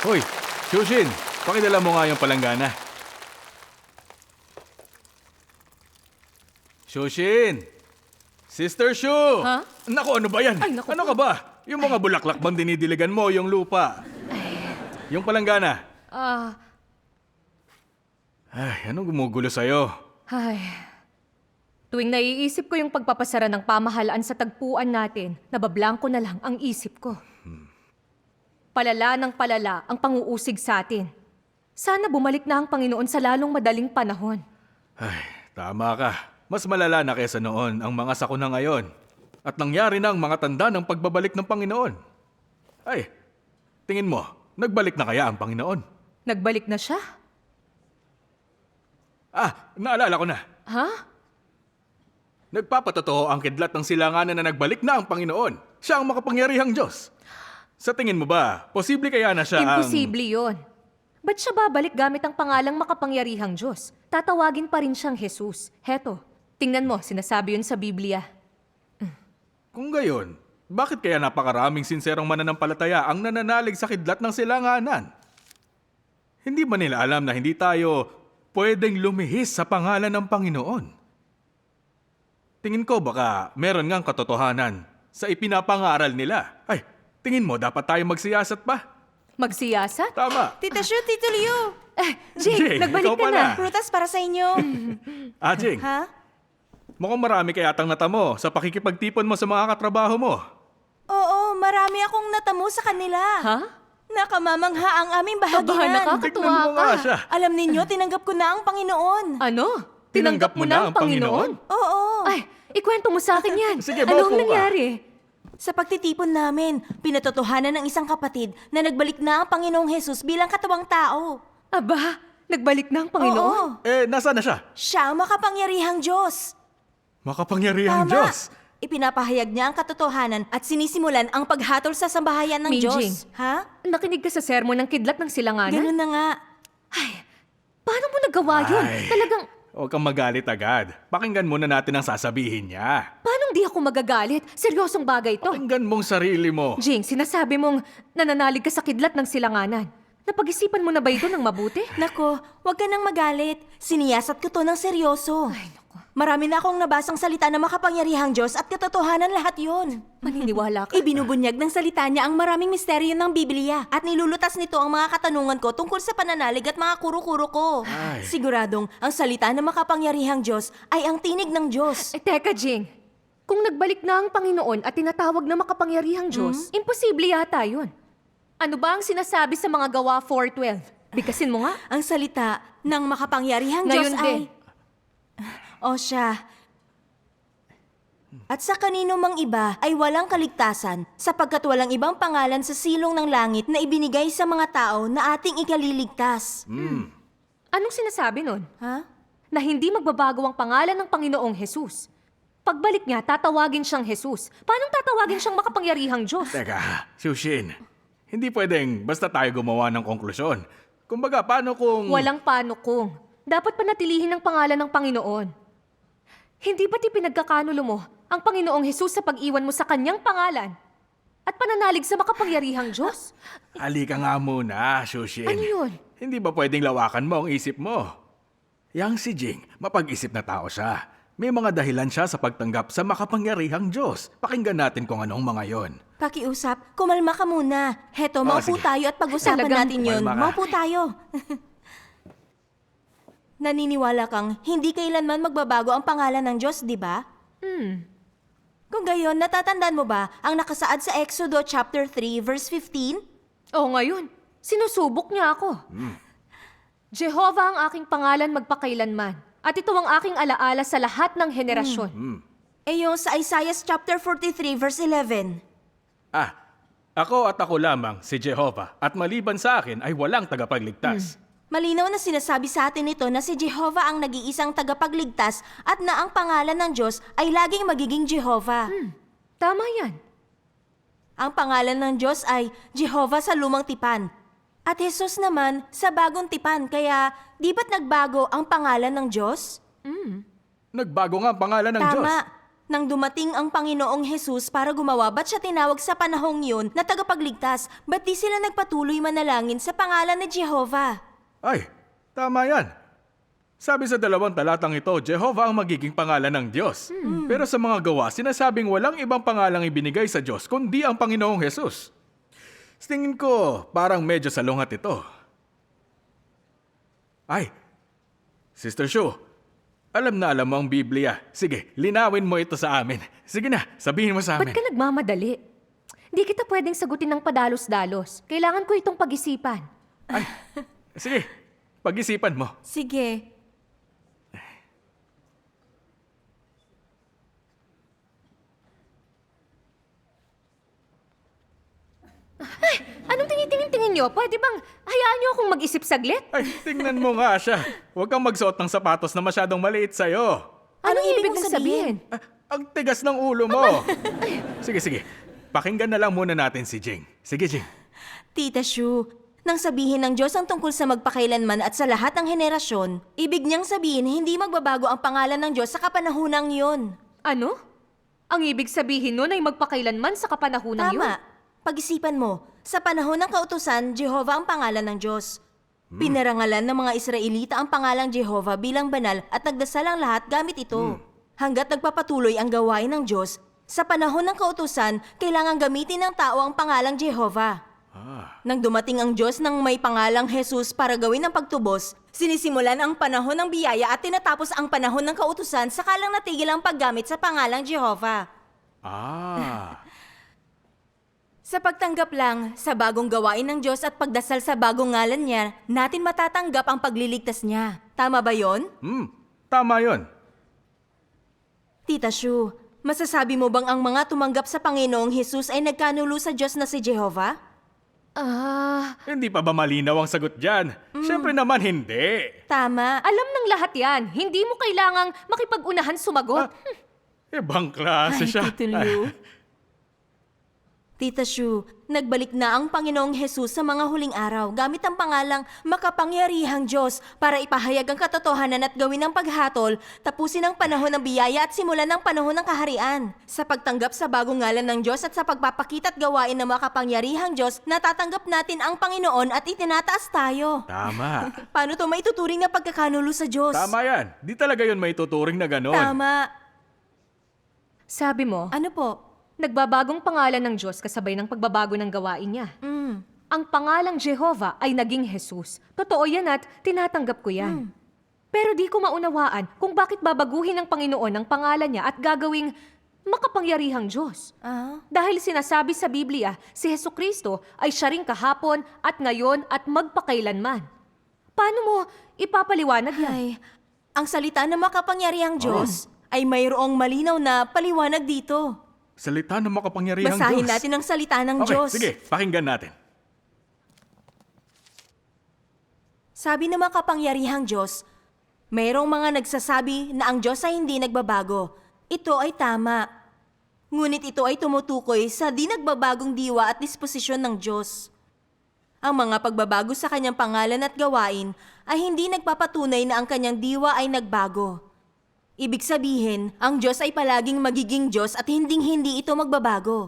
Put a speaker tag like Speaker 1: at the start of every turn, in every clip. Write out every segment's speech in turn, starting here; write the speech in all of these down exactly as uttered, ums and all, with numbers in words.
Speaker 1: Hoy, Shushin, pakidala mo nga yung palanggana. Shushin! Sister Shu!
Speaker 2: Ha?
Speaker 1: Naku, ano ba yan?
Speaker 2: Ay, naku
Speaker 1: ano
Speaker 2: po.
Speaker 1: ka ba? Yung mga bulaklak bang dinidiligan mo, yung lupa? Yung palanggana.
Speaker 2: Ah,
Speaker 1: Ay, anong gumugulo sa'yo?
Speaker 2: ay. Tuwing naiisip ko yung pagpapasara ng pamahalaan sa tagpuan natin, nabablangko na lang ang isip ko. Palala ng palala ang panguusig sa atin. Sana bumalik na ang Panginoon sa lalong madaling panahon.
Speaker 1: Ay, tama ka. Mas malala na kesa noon ang mga sakuna ngayon. At nangyari na ang mga tanda ng pagbabalik ng Panginoon. Ay, tingin mo, nagbalik na kaya ang Panginoon?
Speaker 2: Nagbalik na siya?
Speaker 1: Ah, naalala ko na.
Speaker 2: Ha?
Speaker 1: Nagpapatotoo ang kidlat ng silanganan na nagbalik na ang Panginoon. Siya ang makapangyarihang Diyos. Sa tingin mo ba, posible kaya na siya ang...
Speaker 2: Imposible yon. Ba't siya babalik gamit ang pangalang makapangyarihang Diyos? Tatawagin pa rin siyang Jesus. Heto, tingnan mo, sinasabi yun sa Biblia.
Speaker 1: Kung gayon, bakit kaya napakaraming sinserong mananampalataya ang nananalig sa kidlat ng silanganan? Hindi ba nila alam na hindi tayo pwedeng lumihis sa pangalan ng Panginoon? Tingin ko baka meron ngang katotohanan sa ipinapangaral nila. Ay, tingin mo dapat tayo magsiyasat pa?
Speaker 2: Magsiyasat?
Speaker 1: Tama.
Speaker 3: Tita Shu, Tito Liu!
Speaker 2: Eh, Jing,
Speaker 1: Jing, ikaw
Speaker 2: nagbalik ka
Speaker 1: pala.
Speaker 2: na.
Speaker 3: Prutas para sa inyo.
Speaker 1: Ah, Jing,
Speaker 3: Ha?
Speaker 1: mukhang marami kaya atang natamo sa pakikipagtipon mo sa mga katrabaho mo.
Speaker 3: Oo, marami akong natamo sa kanila.
Speaker 2: Ha?
Speaker 3: Nakamamangha ang aming
Speaker 2: Kabahan
Speaker 3: bahaginan.
Speaker 2: nakakatuwa
Speaker 1: Tignan mo nga
Speaker 2: ka.
Speaker 1: siya.
Speaker 3: Alam ninyo, tinanggap ko na ang Panginoon.
Speaker 2: Ano? Tinanggap mo na ang Panginoon?
Speaker 3: Oo.
Speaker 2: Ay, ikwento mo sa akin yan.
Speaker 1: Sige,
Speaker 2: ano
Speaker 1: maupo
Speaker 2: ang
Speaker 1: ka.
Speaker 2: nangyari?
Speaker 3: Sa pagtitipon namin, pinatotohanan ng isang kapatid na nagbalik na ang Panginoong Jesus bilang katawang tao.
Speaker 2: Aba, nagbalik na ang Panginoon?
Speaker 3: Oo.
Speaker 1: Eh, nasaan na siya?
Speaker 3: Siya ang makapangyarihang Diyos.
Speaker 1: Makapangyarihang
Speaker 3: Tama.
Speaker 1: Diyos.
Speaker 3: Ipinapahayag niya ang katotohanan at sinisimulan ang paghatol sa sambahayan ng
Speaker 2: Mijing.
Speaker 3: Diyos. Ha?
Speaker 2: Nakinig ka sa sermon ng kidlat ng silanganan?
Speaker 3: Ganun na nga.
Speaker 2: Ay, paano mo nagawa yun?
Speaker 1: Ay.
Speaker 2: Talagang,
Speaker 1: Huwag kang magalit agad. Pakinggan muna natin ang sasabihin niya.
Speaker 2: paano di ako magagalit? Seryosong bagay to.
Speaker 1: Pakinggan mong sarili mo.
Speaker 2: Jing, sinasabi mong nananalig ka sa kidlat ng silanganan. Napag-isipan mo na ba ito ng mabuti?
Speaker 3: Nako, huwag ka nang magalit. Siniyasat ko to ng seryoso.
Speaker 2: Ay, naku.
Speaker 3: Marami na akong nabasang salita na makapangyarihang Diyos at katotohanan lahat yon.
Speaker 2: Maniniwala ka?
Speaker 3: Ibinubunyag ng salita niya ang maraming misteryo ng Biblia at nilulutas nito ang mga katanungan ko tungkol sa pananalig at mga kuro-kuro ko.
Speaker 1: Ay.
Speaker 3: Siguradong ang salita ng makapangyarihang Diyos ay ang tinig ng Diyos.
Speaker 2: Eh, teka, Jing. Kung nagbalik na ang Panginoon at tinatawag na makapangyarihang Diyos, imposible yata yun. Ano ba ang sinasabi sa mga gawa four twelve? Bigkasin mo nga.
Speaker 3: Ang salita ng makapangyarihang
Speaker 2: Ngayon
Speaker 3: Diyos
Speaker 2: din.
Speaker 3: ay... O siya. At sa kanino mang iba ay walang kaligtasan sapagkat walang ibang pangalan sa silong ng langit na ibinigay sa mga tao na ating ikaliligtas.
Speaker 2: Anong sinasabi nun?
Speaker 3: Ha?
Speaker 2: Na hindi magbabago ang pangalan ng Panginoong Jesus. Pagbalik niya, tatawagin siyang Jesus. Paano tatawagin siyang makapangyarihang Diyos?
Speaker 1: Teka, Shushin. Hindi pwedeng basta tayo gumawa ng konklusyon. Kumbaga, paano kung...
Speaker 2: Walang paano kung. Dapat panatilihin ang pangalan ng Panginoon. Hindi ba't ipinagkakanulo mo ang Panginoong Jesus sa pag-iwan mo sa kanyang pangalan at pananalig sa makapangyarihang Diyos?
Speaker 1: Halika nga muna, Shushin.
Speaker 2: Ano yun?
Speaker 1: Hindi ba pwedeng lawakan mo ang isip mo? Yang si Jing, mapag-isip na tao siya. May mga dahilan siya sa pagtanggap sa makapangyarihang Diyos. Pakinggan natin kung anong mga yon.
Speaker 3: Pakiusap, kumalma ka muna. Heto,
Speaker 1: Oh,
Speaker 3: maupo
Speaker 1: sige.
Speaker 3: tayo at pag-usapan
Speaker 2: Talagang
Speaker 3: natin yun.
Speaker 1: kumalma ka.
Speaker 3: Maupo tayo. Naniniwala kang hindi kailanman magbabago ang pangalan ng Diyos, di ba?
Speaker 2: Hmm.
Speaker 3: Kung gayon, natatandaan mo ba ang nakasaad sa Exodo chapter three verse fifteen?
Speaker 2: O ngayon, sinusubok niya ako. Jehovah ang aking pangalan magpakailanman at ito ang aking alaala sa lahat ng henerasyon.
Speaker 3: Eh yung sa Isaiah chapter forty-three verse eleven.
Speaker 1: Ah, ako at ako lamang, si Jehovah, at maliban sa akin ay walang tagapagligtas.
Speaker 3: Malinaw na sinasabi sa atin ito na si Jehovah ang nag-iisang tagapagligtas at na ang pangalan ng Diyos ay laging magiging Jehovah.
Speaker 2: Tama yan.
Speaker 3: Ang pangalan ng Diyos ay Jehovah sa lumang tipan. At Jesus naman sa bagong tipan, kaya di ba't nagbago ang pangalan ng Diyos?
Speaker 1: Nagbago nga ang pangalan ng Diyos.
Speaker 3: Tama. Nang dumating ang Panginoong Jesus para gumawa, ba't siya tinawag sa panahong yun na tagapagligtas? Ba't di sila nagpatuloy manalangin sa pangalan ni Jehovah?
Speaker 1: Ay, tama yan. Sabi sa dalawang talatang ito, Jehovah ang magiging pangalan ng Diyos. Pero sa mga gawa, sinasabing walang ibang pangalang ibinigay sa Diyos kundi ang Panginoong Jesus. Sa tingin ko, parang medyo salungat ito. Ay, Sister Shu, alam na alam mo ang Biblia. Sige, linawin mo ito sa amin. Sige na, sabihin mo sa
Speaker 2: Ba't
Speaker 1: amin.
Speaker 2: ka nagmamadali? Hindi kita pwedeng sagutin ng padalos-dalos. Kailangan ko itong pag-isipan.
Speaker 1: Ay, sige, pag-isipan mo.
Speaker 3: Sige.
Speaker 2: Anong tinitingin-tingin nyo? Pwede bang hayaan nyo akong mag-isip saglit?
Speaker 1: Ay, tingnan mo nga siya. Huwag kang magsuot ng sapatos na masyadong maliit sa'yo.
Speaker 2: Anong,
Speaker 3: ibig
Speaker 2: ibig
Speaker 3: mong
Speaker 2: mong sabihin?
Speaker 1: Ah, ang tigas ng ulo mo. Sige, sige. Pakinggan na lang muna natin si Jing. Sige, Jing.
Speaker 3: Tita Shu, nang sabihin ng Diyos ang tungkol sa magpakailanman at sa lahat ng henerasyon, ibig niyang sabihin hindi magbabago ang pangalan ng Diyos sa kapanahunang yun.
Speaker 2: Ano? Ang ibig sabihin nun ay magpakailanman sa kapanahunang yun?
Speaker 3: Tama. Pag-isipan mo, sa panahon ng kautusan, Jehovah ang pangalan ng Diyos. Pinarangalan ng mga Israelita ang pangalang Jehovah bilang banal at nagdasal ang lahat gamit ito. Hanggat nagpapatuloy ang gawain ng Diyos, sa panahon ng kautusan, kailangan gamitin ng tao ang pangalang Jehovah.
Speaker 1: Ah,
Speaker 3: Nang dumating ang Diyos ng may pangalang Jesus para gawin ang pagtubos, sinisimulan ang panahon ng biyaya at tinatapos ang panahon ng kautusan sakalang natigil ang paggamit sa pangalang Jehovah.
Speaker 1: ah.
Speaker 3: Sa pagtanggap lang sa bagong gawain ng Diyos at pagdasal sa bagong ngalan niya, natin matatanggap ang pagliligtas niya. Tama ba yon?
Speaker 1: Hmm, tama yon.
Speaker 3: Tita Shu, masasabi mo bang ang mga tumanggap sa Panginoong Jesus ay nagkanulo sa Diyos na si Jehovah?
Speaker 2: Ah,
Speaker 1: Hindi pa ba malinaw ang sagot dyan? Siyempre naman hindi.
Speaker 3: Tama.
Speaker 2: alam ng lahat yan. Hindi mo kailangang makipag-unahan sumagot.
Speaker 1: Ibang klase siya.
Speaker 3: Tito Liu. Tita Shu, nagbalik na ang Panginoong Jesus sa mga huling araw gamit ang pangalang Makapangyarihang Diyos para ipahayag ang katotohanan at gawin ang paghatol, tapusin ang panahon ng biyaya at simulan ang panahon ng kaharian. Sa pagtanggap sa bagong ngalan ng Diyos at sa pagpapakita at gawain ng Makapangyarihang Diyos, natatanggap natin ang Panginoon at itinataas tayo.
Speaker 1: Tama.
Speaker 3: Paano to maituturing na pagkakanulo sa Diyos?
Speaker 1: Tama yan. Di talaga yun may tuturing na ganon.
Speaker 3: Tama.
Speaker 2: Sabi mo,
Speaker 3: Ano po?
Speaker 2: nagbabagong pangalan ng Diyos kasabay ng pagbabago ng gawain niya.
Speaker 3: Mm.
Speaker 2: Ang pangalang Jehovah ay naging Jesus. Totoo yan at tinatanggap ko yan. Pero di ko maunawaan kung bakit babaguhin ng Panginoon ang pangalan niya at gagawing makapangyarihang Diyos.
Speaker 3: Ah?
Speaker 2: Dahil sinasabi sa Biblia, si Hesukristo ay siya ring kahapon at ngayon at magpakailanman. Paano mo ipapaliwanag yan?
Speaker 3: Ay, ang salita ng makapangyarihang Diyos ay mayroong malinaw na paliwanag dito.
Speaker 1: Salita ng makapangyarihang
Speaker 3: Basahin
Speaker 1: Diyos.
Speaker 3: natin ang salita ng
Speaker 1: Okay,
Speaker 3: Diyos.
Speaker 1: sige. Pakinggan natin.
Speaker 3: Sabi ng makapangyarihang Diyos, mayroong mga nagsasabi na ang Diyos ay hindi nagbabago. Ito ay tama. Ngunit ito ay tumutukoy sa di nagbabagong diwa at disposisyon ng Diyos. Ang mga pagbabago sa kanyang pangalan at gawain ay hindi nagpapatunay na ang kanyang diwa ay nagbago. Ibig sabihin, ang Diyos ay palaging magiging Diyos at hinding-hindi ito magbabago.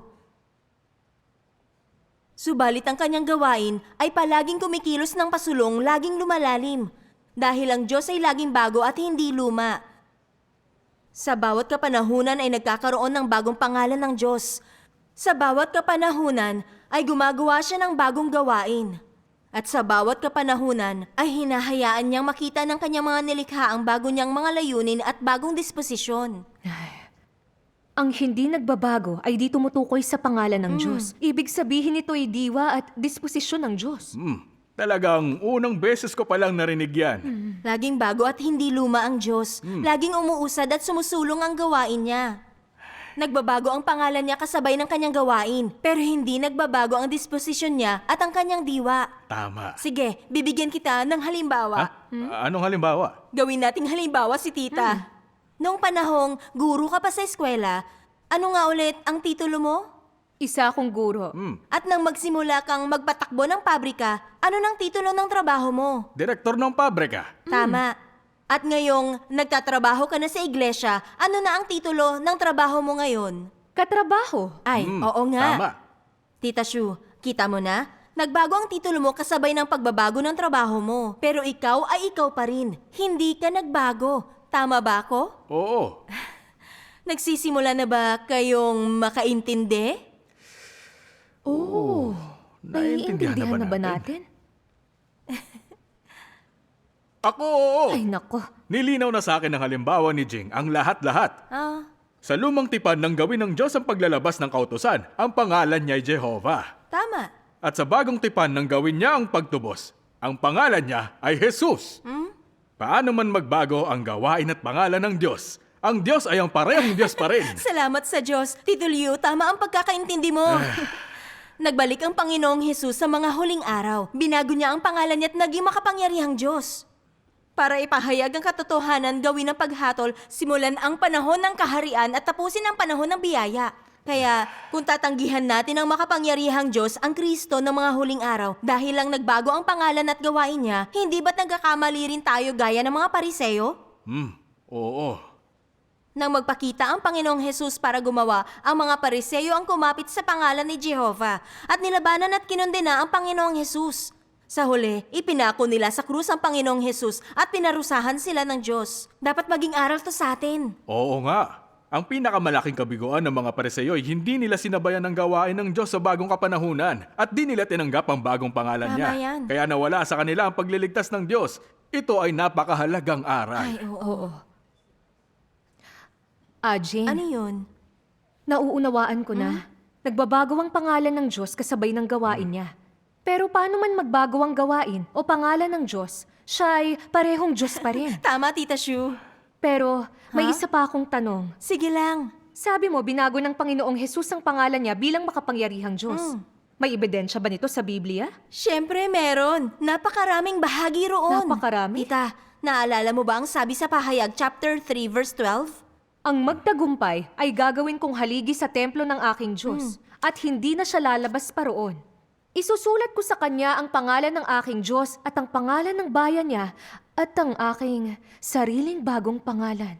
Speaker 3: Subalit ang kanyang gawain ay palaging kumikilos ng pasulong, laging lumalalim. Dahil ang Diyos ay laging bago at hindi luma. Sa bawat kapanahunan ay nagkakaroon ng bagong pangalan ng Diyos. Sa bawat kapanahunan ay gumagawa siya ng bagong gawain. At sa bawat kapanahunan ay hinahayaan niyang makita ng kanyang mga nilikha ang bago niyang mga layunin at bagong disposisyon.
Speaker 2: Ang hindi nagbabago ay di tumutukoy sa pangalan ng Diyos. Ibig sabihin ito ay diwa at disposisyon ng Diyos.
Speaker 1: Hmm, talagang unang beses ko palang narinig yan.
Speaker 3: Laging bago at hindi luma ang Diyos. Laging umuusad at sumusulong ang gawain niya. Nagbabago ang pangalan niya kasabay ng kanyang gawain, pero hindi nagbabago ang disposisyon niya at ang kanyang diwa.
Speaker 1: Tama.
Speaker 3: Sige, bibigyan kita ng halimbawa.
Speaker 1: Ha? Anong halimbawa?
Speaker 3: Gawin nating halimbawa si tita. Noong panahong guro ka pa sa eskwela, ano nga ulit ang titulo mo?
Speaker 2: Isa akong guro.
Speaker 1: Hmm,
Speaker 3: At nang magsimula kang magpatakbo ng pabrika, ano nang titulo ng trabaho mo?
Speaker 1: direktor ng pabrika.
Speaker 3: Tama. At ngayong nagtatrabaho ka na sa iglesia, ano na ang titulo ng trabaho mo ngayon?
Speaker 2: Katrabaho.
Speaker 3: Ay,
Speaker 1: Hmm,
Speaker 3: oo nga.
Speaker 1: Tama.
Speaker 3: Tita Shu, kita mo na? Nagbago ang titulo mo kasabay ng pagbabago ng trabaho mo. Pero ikaw ay ikaw pa rin. Hindi ka nagbago. Tama ba ako?
Speaker 1: Oo.
Speaker 3: Nagsisimula na ba kayong makaintindi?
Speaker 2: Oo.
Speaker 1: Naiintindihan
Speaker 2: Naiintindihan na ba
Speaker 1: natin?
Speaker 2: natin?
Speaker 1: Ako, oo.
Speaker 2: Ay, nako.
Speaker 1: Nilinaw na sa akin ng halimbawa ni Jing ang lahat-lahat.
Speaker 3: Ah,
Speaker 1: Sa lumang tipan ng gawin ng Diyos ang paglalabas ng kautusan, ang pangalan niya ay Jehovah.
Speaker 3: tama.
Speaker 1: At sa bagong tipan ng gawin niya ang pagtubos, ang pangalan niya ay Jesus. Paano man magbago ang gawain at pangalan ng Diyos, ang Diyos ay ang parehong Diyos pa rin.
Speaker 3: Salamat sa Diyos. Tito Liu, tama ang pagkakaintindi mo. Nagbalik ang Panginoong Hesus sa mga huling araw. Binago niya ang pangalan niya at naging makapangyarihang Diyos. Para ipahayag ang katotohanan, gawin ang paghatol, simulan ang panahon ng kaharian at tapusin ang panahon ng biyaya. Kaya, kung tatanggihan natin ang makapangyarihang Diyos, ang Kristo ng mga huling araw, dahil lang nagbago ang pangalan at gawain niya, hindi ba't nagkakamali rin tayo gaya ng mga pariseyo?
Speaker 1: Hmm, oo.
Speaker 3: Nang magpakita ang Panginoong Hesus para gumawa, ang mga pariseyo ang kumapit sa pangalan ni Jehovah at nilabanan at kinundena ang Panginoong Hesus. Sa huli, ipinako nila sa krus ang Panginoong Hesus at pinarusahan sila ng Diyos. Dapat maging aral to sa atin.
Speaker 1: Oo nga. Ang pinakamalaking kabiguan ng mga pariseyo ay hindi nila sinabayan ang gawain ng Diyos sa bagong kapanahunan at di nila tinanggap ang bagong pangalan
Speaker 3: Tama
Speaker 1: niya.
Speaker 3: yan.
Speaker 1: Kaya nawala sa kanila ang pagliligtas ng Diyos. Ito ay napakahalagang aral.
Speaker 3: Ay, oo.
Speaker 2: Oo. Ah, Jane,
Speaker 3: Ano yun?
Speaker 2: nauunawaan ko na. Nagbabago ang pangalan ng Diyos kasabay ng gawain niya. Pero paano man magbago ang gawain o pangalan ng Diyos, siya ay parehong Diyos pa rin.
Speaker 3: Tama, Tita Shu.
Speaker 2: Pero may
Speaker 3: Ha?
Speaker 2: isa pa akong tanong.
Speaker 3: Sige lang.
Speaker 2: Sabi mo, binago ng Panginoong Hesus ang pangalan niya bilang makapangyarihang Diyos. May ebidensya ba nito sa Biblia?
Speaker 3: Siyempre meron. Napakaraming bahagi roon.
Speaker 2: Napakarami?
Speaker 3: Tita, naalala mo ba ang sabi sa Pahayag chapter three verse twelve?
Speaker 2: Ang magtagumpay ay gagawin kong haligi sa templo ng aking Diyos at hindi na siya lalabas pa roon. Isusulat ko sa kanya ang pangalan ng aking Diyos at ang pangalan ng bayan niya at ang aking sariling bagong pangalan.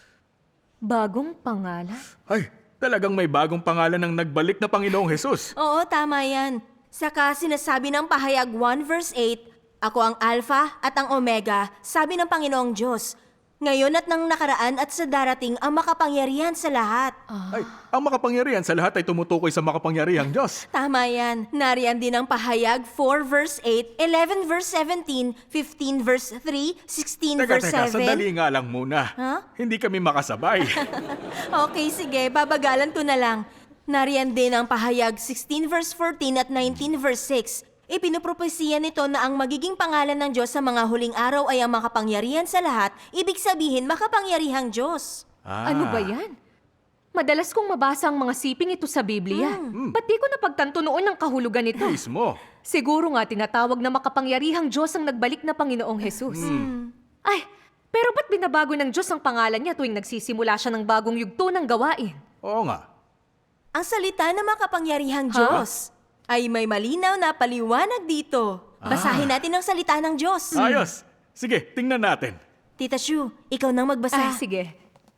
Speaker 2: Bagong pangalan?
Speaker 1: Ay, talagang may bagong pangalan ng nagbalik na Panginoong Hesus.
Speaker 3: Oo, tama yan. Saka sinasabi ng Pahayag one verse eight, Ako ang Alpha at ang Omega, sabi ng Panginoong Diyos. Ngayon at nang nakaraan at sa darating ang makapangyarihan sa lahat.
Speaker 1: Ay, ang makapangyarihan sa lahat ay tumutukoy sa makapangyarihang Diyos.
Speaker 3: Tama yan. Nariyan din ang Pahayag four verse eight, eleven verse seventeen, fifteen verse three, sixteen
Speaker 1: Teka,
Speaker 3: verse
Speaker 1: teka,
Speaker 3: seven.
Speaker 1: sandali nga lang muna.
Speaker 3: Ha?
Speaker 1: Hindi kami makasabay.
Speaker 3: Okay, sige. Babagalan ko na lang. Nariyan din ang Pahayag sixteen verse fourteen at nineteen verse six. Ipinupropesiya nito na ang magiging pangalan ng Diyos sa mga huling araw ay ang makapangyarihan sa lahat, ibig sabihin makapangyarihang Diyos.
Speaker 1: Ah.
Speaker 2: Ano ba yan? Madalas kong mabasa ang mga siping ito sa Biblia. Ba't di ko napagtanto noon ang kahulugan nito?
Speaker 1: Mismo.
Speaker 2: Siguro nga tinatawag na makapangyarihang Diyos ang nagbalik na Panginoong Hesus. Ay, pero ba't binabago ng Diyos ang pangalan niya tuwing nagsisimula siya ng bagong yugto ng gawain?
Speaker 1: Oo nga.
Speaker 3: Ang salita ng makapangyarihang Diyos ay may malinaw na paliwanag dito. Basahin natin ang salita ng Diyos.
Speaker 1: Ayos. Sige, tingnan natin.
Speaker 3: Tita Shu, ikaw nang
Speaker 2: Ah,
Speaker 3: magbasa.
Speaker 2: sige.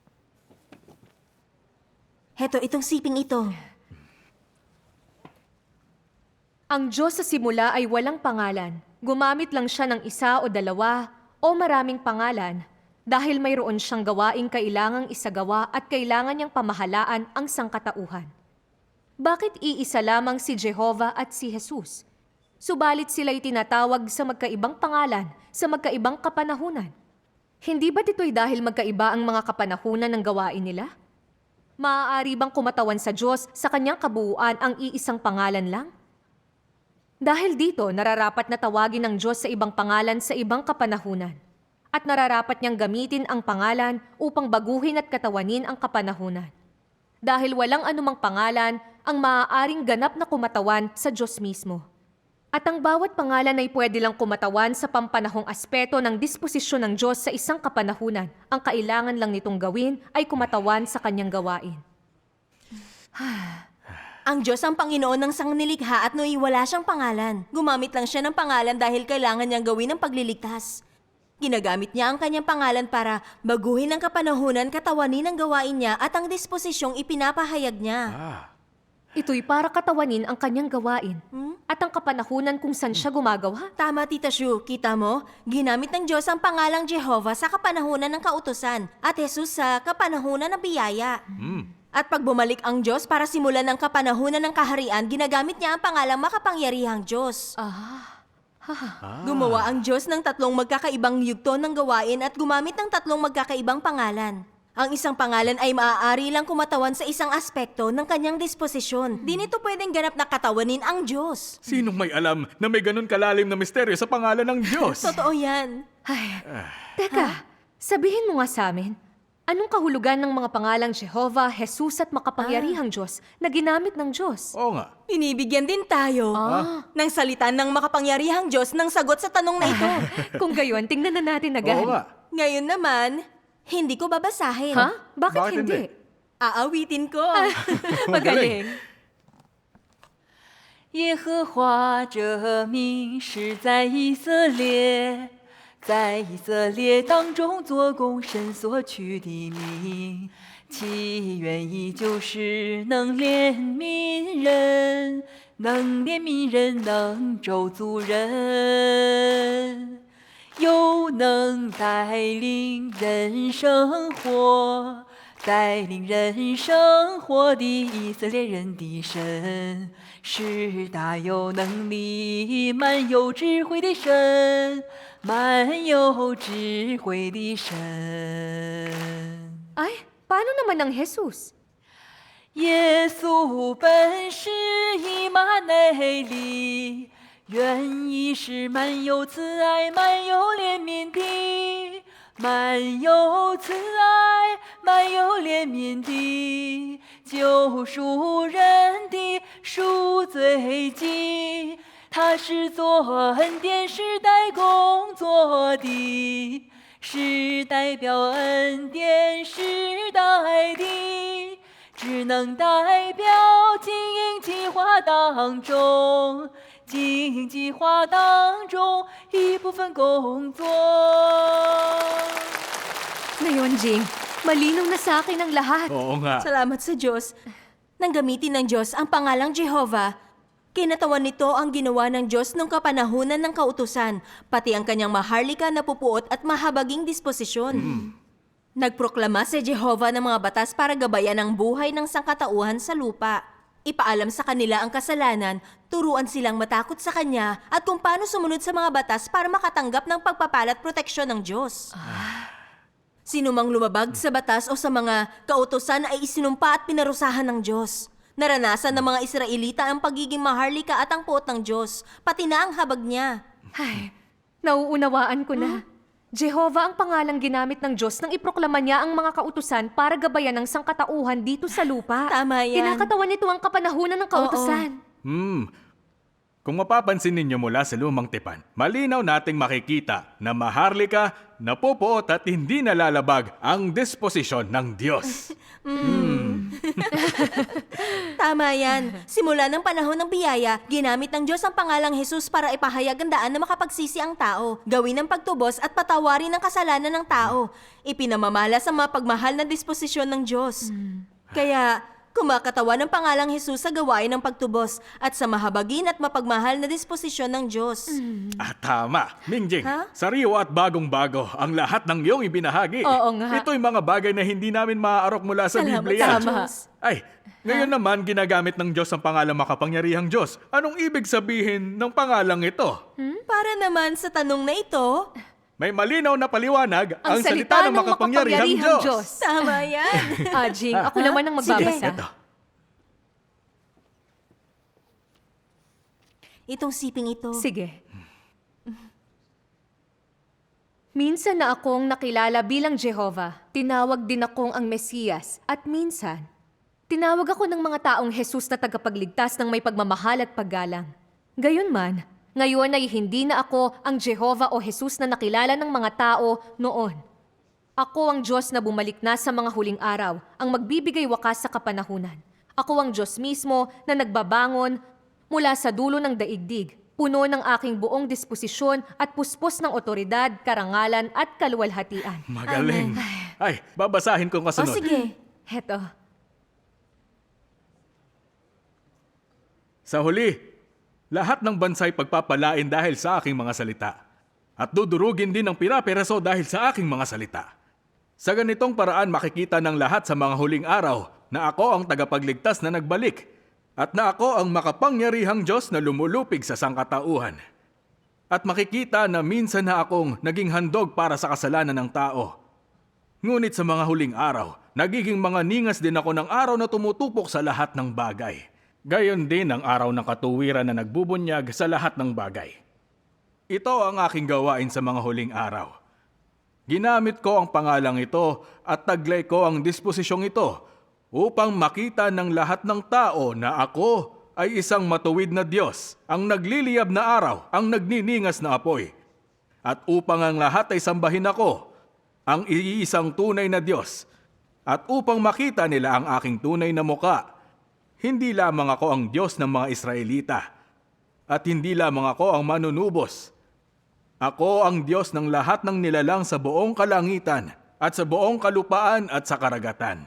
Speaker 3: Heto, itong siping ito.
Speaker 2: Ang Diyos sa simula ay walang pangalan. Gumamit lang siya ng isa o dalawa o maraming pangalan dahil mayroon siyang gawaing kailangang isagawa at kailangan niyang pamahalaan ang sangkatauhan. Bakit iisa lamang si Jehovah at si Jesus? Subalit sila'y tinatawag sa magkaibang pangalan, sa magkaibang kapanahunan. Hindi ba't ito'y dahil magkaiba ang mga kapanahunan ng gawain nila? Maaari bang kumatawan sa Diyos sa kanyang kabuuan ang iisang pangalan lang? Dahil dito, nararapat na tawagin ng Diyos sa ibang pangalan sa ibang kapanahunan. At nararapat niyang gamitin ang pangalan upang baguhin at katawanin ang kapanahunan. Dahil walang anumang pangalan ang maaaring ganap na kumatawan sa Diyos mismo. At ang bawat pangalan ay pwede lang kumatawan sa pampanahong aspeto ng disposisyon ng Diyos sa isang kapanahunan. Ang kailangan lang nitong gawin ay kumatawan sa kanyang gawain.
Speaker 3: Ang Diyos ang Panginoon ng sangnilikha at nooy wala siyang pangalan. Gumamit lang siya ng pangalan dahil kailangan niyang gawin ang pagliligtas. Ginagamit niya ang kanyang pangalan para baguhin ang kapanahunan, katawanin ang gawain niya at ang disposisyong ipinapahayag niya.
Speaker 1: Ah,
Speaker 2: Ito'y para katawanin ang kanyang gawain at ang kapanahunan kung saan siya gumagawa.
Speaker 3: Tama, Tita Shu. Kita mo? Ginamit ng Diyos ang pangalang Jehovah sa kapanahunan ng kautusan at Jesus sa kapanahunan ng biyaya.
Speaker 1: hmm.
Speaker 3: At pag bumalik ang Diyos para simulan ang kapanahunan ng kaharian, ginagamit niya ang pangalang makapangyarihang Diyos.
Speaker 2: Ah,
Speaker 1: Ah.
Speaker 3: Gumawa ang Diyos ng tatlong magkakaibang yugto ng gawain at gumamit ng tatlong magkakaibang pangalan. Ang isang pangalan ay maaari lang kumatawan sa isang aspekto ng kanyang disposisyon. Di nito pwedeng ganap na katawanin ang Diyos.
Speaker 1: Sinong may alam na may ganun kalalim na misteryo sa pangalan ng Diyos?
Speaker 3: Totoo yan.
Speaker 2: ay, teka, sabihin mo nga sa amin, anong kahulugan ng mga pangalang Jehovah, Jesus at makapangyarihang Diyos na ginamit ng Diyos?
Speaker 1: Oo nga.
Speaker 3: Binibigyan din tayo
Speaker 2: Ah.
Speaker 3: ng salita ng makapangyarihang Diyos ng sagot sa tanong na ito.
Speaker 2: Kung gayon, tingnan na natin agad.
Speaker 1: Oo nga.
Speaker 3: Ngayon naman, hindi ko babasahin.
Speaker 2: Ha? Bakit,
Speaker 1: Bakit
Speaker 2: hindi?
Speaker 1: hindi?
Speaker 3: Aawitin ko.
Speaker 2: Magaling.
Speaker 4: 耶和华这名是在以色列，在以色列当中做工神所取的名，其原意就是能怜悯人，能怜悯人，能咒诅人，又能带领人生活。带领人生活的以色列人的神，是大有能力、满有智慧的神，满有智慧的神。
Speaker 2: Ay, paano naman ang Jesus?
Speaker 4: 耶稣本是以马内利，原意是满有慈爱、满有怜悯的。满有慈爱，满有怜悯的，救赎人的赎罪祭。他是做恩典时代工作的，是代表恩典时代的，只能代表经营计划当中。经营计划当中一部分工作。
Speaker 2: Ngayon, Jing, malinaw na sa akin ang lahat.
Speaker 1: Oo nga.
Speaker 3: Salamat sa Diyos. Nang gamitin ng Diyos ang pangalang Jehovah, kinatawan nito ang ginawa ng Diyos nung kapanahunan ng kautusan, pati ang kanyang maharlika na pupuot at mahabaging disposisyon. Nagproklama si Jehovah ng mga batas para gabayan ang buhay ng sangkatauhan sa lupa. Ipaalam sa kanila ang kasalanan, turuan silang matakot sa Kanya at kung paano sumunod sa mga batas para makatanggap ng pagpapala at proteksyon ng Diyos. Sino mang lumabag sa batas o sa mga kautosan ay isinumpa at pinarusahan ng Diyos. Naranasan ng mga Israelita ang pagiging maharlika at ang puot ng Diyos, pati na ang habag niya.
Speaker 2: Ay, nauunawaan ko na. Jehovah ang pangalang ginamit ng Diyos nang iproklama niya ang mga kautusan para gabayan ng sangkatauhan dito sa lupa.
Speaker 3: Tama yan.
Speaker 2: Kinakatawan nito ang kapanahunan ng kautusan.
Speaker 1: Hmm. Kung mapapansin ninyo mula sa lumang tipan, malinaw nating makikita na maharlika, napupuot at hindi nalalabag ang disposisyon ng Diyos.
Speaker 3: Tama yan. Simula ng panahon ng biyaya, ginamit ng Diyos ang pangalang Jesus para ipahayag ang daan na makapagsisi ang tao, gawin ang pagtubos at patawarin ang kasalanan ng tao. Ipinamamalas ang mapagmahal na disposisyon ng Diyos. Kaya, kumakatawan ng pangalang Jesus sa gawain ng pagtubos at sa mahabagin at mapagmahal na disposisyon ng Diyos.
Speaker 1: Ah, tama. Mingjing,
Speaker 3: Ha?
Speaker 1: sariwa at bagong-bago ang lahat ng iyong ibinahagi.
Speaker 2: Oo nga.
Speaker 1: Ito'y mga bagay na hindi namin maaarok mula sa
Speaker 3: Salamat
Speaker 1: Biblia.
Speaker 3: sa Diyos.
Speaker 1: Ay, ngayon naman ginagamit ng Diyos ang pangalang makapangyarihang Diyos. Anong ibig sabihin ng pangalang ito?
Speaker 3: Para naman sa tanong na ito,
Speaker 1: May malinaw na paliwanag ang, salita, ng makapangyarihang Diyos.
Speaker 3: tama yan.
Speaker 2: Ah, Jing, ako naman ang magbabasa.
Speaker 1: Ito.
Speaker 3: Itong siping ito.
Speaker 2: Sige. Minsan na akong nakilala bilang Jehovah, tinawag din akong ang Mesiyas, at minsan, tinawag ako ng mga taong Jesus na tagapagligtas ng may pagmamahal at paggalang. Gayunman, ngayon ay hindi na ako ang Jehovah o Jesus na nakilala ng mga tao noon. Ako ang Diyos na bumalik na sa mga huling araw, ang magbibigay wakas sa kapanahunan. Ako ang Diyos mismo na nagbabangon mula sa dulo ng daigdig. Puno ng aking buong disposisyon at puspos ng otoridad, karangalan at kaluwalhatian.
Speaker 1: Magaling. Ay, babasahin ko
Speaker 3: O
Speaker 1: kasunod.
Speaker 3: sige.
Speaker 2: Heto,
Speaker 1: Sa huli, lahat ng bansa'y pagpapalain dahil sa aking mga salita. At dudurugin din ng pira-piraso dahil sa aking mga salita. Sa ganitong paraan makikita ng lahat sa mga huling araw na ako ang tagapagligtas na nagbalik at na ako ang makapangyarihang Diyos na lumulupig sa sangkatauhan. At makikita na minsan na akong naging handog para sa kasalanan ng tao. Ngunit sa mga huling araw, nagiging mga ningas din ako ng araw na tumutupok sa lahat ng bagay. Gayon din ang araw ng katuwiran na nagbubunyag sa lahat ng bagay. Ito ang aking gawain sa mga huling araw. Ginamit ko ang pangalang ito at taglay ko ang disposisyong ito upang makita ng lahat ng tao na ako ay isang matuwid na Diyos, ang nagliliyab na araw, ang nagniningas na apoy. At upang ang lahat ay sambahin ako, ang iisang tunay na Diyos, at upang makita nila ang aking tunay na muka, hindi lamang ako ang Diyos ng mga Israelita, at hindi lamang ako ang manunubos. Ako ang Diyos ng lahat ng nilalang sa buong kalangitan, at sa buong kalupaan at sa karagatan.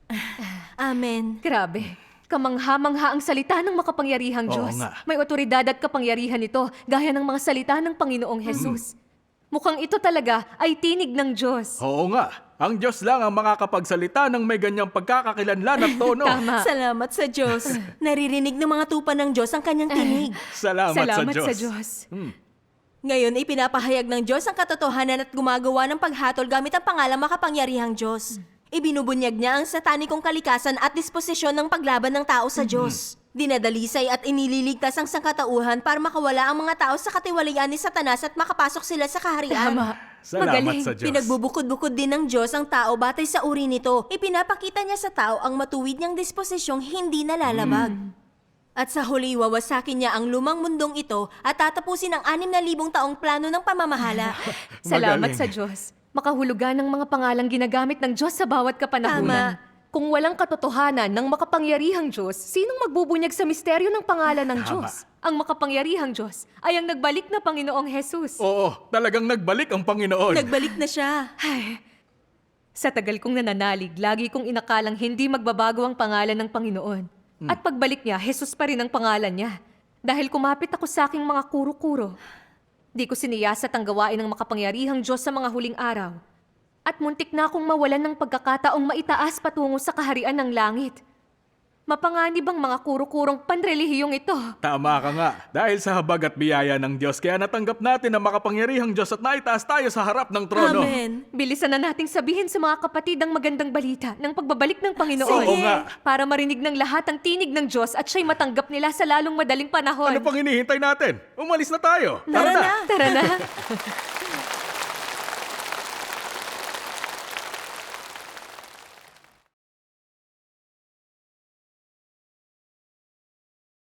Speaker 3: Amen.
Speaker 2: grabe. Kamangha-mangha ang salita ng makapangyarihang
Speaker 1: Oo
Speaker 2: Diyos.
Speaker 1: nga.
Speaker 2: May otoridad at kapangyarihan ito, gaya ng mga salita ng Panginoong Jesus. Mukhang ito talaga ay tinig ng Diyos.
Speaker 1: Oo nga, ang Diyos lang ang makakapagsalita ng may ganyang pagkakakilanlan at tono.
Speaker 2: Tama.
Speaker 3: Salamat sa Diyos. Naririnig ng mga tupa ng Diyos ang kanyang tinig.
Speaker 1: Salamat,
Speaker 2: Salamat
Speaker 1: sa
Speaker 2: sa
Speaker 1: Diyos.
Speaker 2: Diyos.
Speaker 3: Ngayon ay pinapahayag ng Diyos ang katotohanan at gumagawa ng paghatol gamit ang pangalang makapangyarihang Diyos. Ibinubunyag niya ang satanikong kalikasan at disposisyon ng paglaban ng tao sa Diyos. Dinadalisay at inililigtas ang sangkatauhan para makawala ang mga tao sa katiwalian ni Satanas at makapasok sila sa kaharian.
Speaker 2: Tama.
Speaker 1: Salamat
Speaker 2: Magaling.
Speaker 1: sa Diyos.
Speaker 3: Pinagbubukod-bukod din ng Diyos ang tao batay sa uri nito. Ipinapakita niya sa tao ang matuwid niyang disposisyong hindi nalalabag. At sa huli, wawasakin niya ang lumang mundong ito at tatapusin ang anim na libong taong plano ng pamamahala.
Speaker 2: Salamat
Speaker 1: Magaling.
Speaker 2: sa Diyos. Makahulugan ng mga pangalang ginagamit ng Diyos sa bawat kapanahunan. Kung walang katotohanan ng makapangyarihang Diyos, sinong magbubunyag sa misteryo ng pangalan ng
Speaker 1: Tama.
Speaker 2: Diyos? Ang makapangyarihang Diyos ay ang nagbalik na Panginoong Jesus.
Speaker 1: Oo, talagang nagbalik ang Panginoon.
Speaker 3: Nagbalik na siya.
Speaker 2: Sa tagal kong nananalig, lagi kong inakalang hindi magbabago ang pangalan ng Panginoon. At pagbalik niya, Jesus pa rin ang pangalan niya. Dahil kumapit ako sa aking mga kuro-kuro. Di ko siniyasat ang gawain ng makapangyarihang Diyos sa mga huling araw. At muntik na akong mawalan ng pagkakataong maitaas patungo sa kaharian ng langit. Mapanganib ang mga kuro-kurong panrelihiyong ito.
Speaker 1: Tama ka nga. Dahil sa habag at biyaya ng Diyos, kaya natanggap natin ang makapangyarihang Diyos at naitaas tayo sa harap ng trono.
Speaker 3: Amen.
Speaker 2: Bilisan na nating sabihin sa mga kapatid ang magandang balita ng pagbabalik ng Panginoon.
Speaker 1: Oo nga.
Speaker 2: Para marinig ng lahat ang tinig ng Diyos at siya'y matanggap nila sa lalong madaling panahon.
Speaker 1: Ano pang hinihintay natin? Umalis na tayo.
Speaker 3: Tara na.
Speaker 2: Tara na.